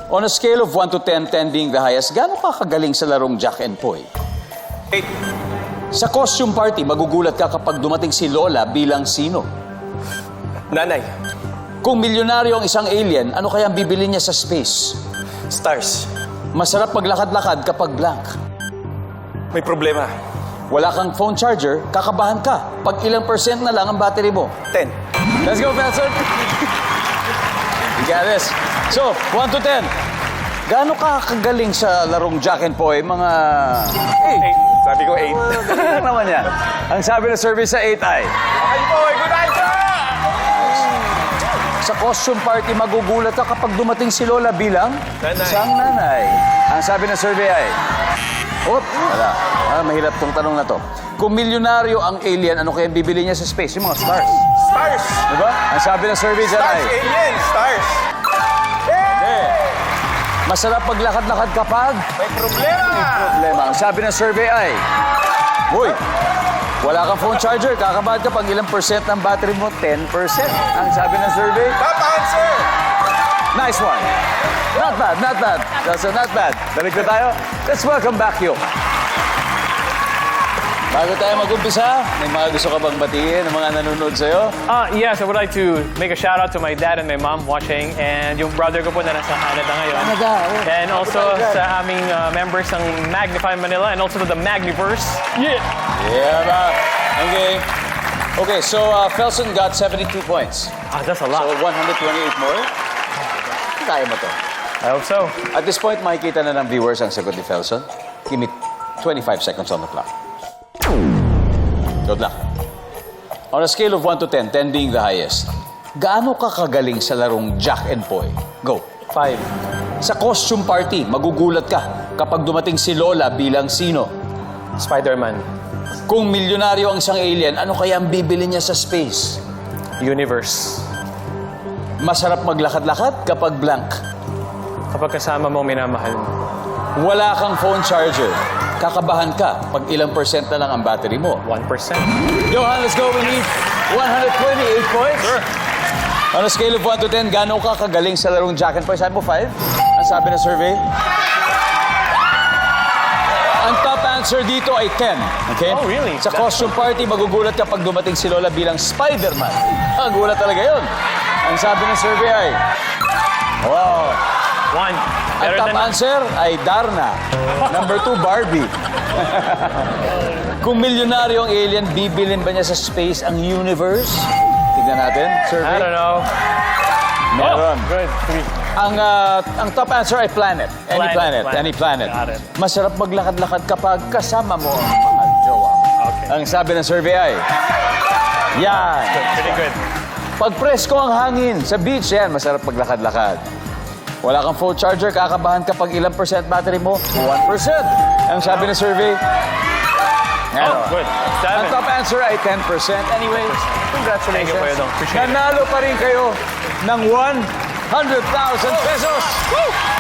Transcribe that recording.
On a scale of 1 to 10, 10 being the highest, gaano ka kagaling sa larong Jack and Poy? 8. Sa costume party, magugulat ka kapag dumating si Lola bilang sino? Nanay. Kung milyonaryo ang isang alien, ano kaya ang bibili niya sa space? Stars. Masarap maglakad-lakad kapag blank. May problema. Wala kang phone charger, kakabahan ka. Pag ilang percent na lang ang battery mo. 10. Let's go, Felson! You got this. So, 1 to 10. Gaano ka kagaling sa larong Jack and Poy? Mga 8. Sabi ko 8. Ano naman yan? Ang sabi ng survey sa 8 ay, Ay po, good answer! sa costume party, magugulat ka kapag dumating si Lola bilang Nanay. isang nanay. Ang sabi ng survey ay, wala. Mahirap tong tanong na to. Kung milyonaryo ang alien, ano kaya bibili niya sa space? Yung mga stars. Stars. Diba? Ang sabi ng survey dyan Stars, ay, alien, stars. masarap maglakad-lakad kapag May problema. problema. Ang sabi ng survey ay, uy, wala kang phone charger, kakabahan ka pag ilang percent ng battery mo? 10%. Ang sabi ng survey, Top answer. nice one. Not bad, not bad. That's not bad. Balik na tayo. Let's welcome back you. Bago tayo mag-umpisa, may mga gusto ka bang batiin ng mga nanonood sa'yo? Yes, I would like to make a shout out to my dad and my mom watching and yung brother ko po na nasa Canada ngayon. And also sa aming members ng Magnify Manila and also to the Magniverse. Yeah! Yeah, ba? Okay. Okay, so Felson got 72 points. That's a So lot. 128 more. Kaya mo to. I hope so. At this point, makikita na ng viewers ang sagot ni Felson. Give me 25 seconds on the clock. Good luck. On a scale of 1 to 10, 10 being the highest, gaano ka kagaling sa larong Jack and Poy? Go. 5. Sa costume party, magugulat ka kapag dumating si Lola bilang sino? Spider-Man. Kung milyonaryo ang isang alien, ano kaya ang bibili niya sa space? Universe. Masarap maglakad-lakad kapag blank. Kapag kasama mo minamahal mo. Wala kang phone charger. Kakabahan ka pag ilang percent na lang ang battery mo. 1%. Johan, let's go. We need 128 points. Sure. On a scale of 1 to 10, gaano ka kagaling sa larong Jack and Poy? Sabi mo 5? Ang sabi ng survey? Ang top answer dito ay 10. Okay? Oh, really? Sa costume party, magugulat ka pag dumating si Lola bilang Spider-Man. Ang gulat talaga yun. Ang sabi ng survey ay, wow. 1. Ang top answer ay Darna. Number 2, Barbie. Kung milyonaryo ang alien, bibilin ba niya sa space ang universe? Tignan natin. Survey. I don't know. Meron. Oh, good. 3. Ang top answer ay planet. Any planet. Any planet. Got it. Masarap maglakad-lakad kapag kasama mo ang mahal jowa. Okay. Ang sabi ng survey ay, yan. Pretty good. Pag presko ang hangin sa beach, yan, masarap maglakad-lakad. Wala kang phone charger, kakabahan kapag ilang percent battery mo? 1%. Ang sabi ng survey, Oh, good. ang 7. top answer ay 10%. Anyway, Thank you, Kuya Dong. Appreciate it. Nanalo pa rin kayo ng 100,000 pesos. Woo!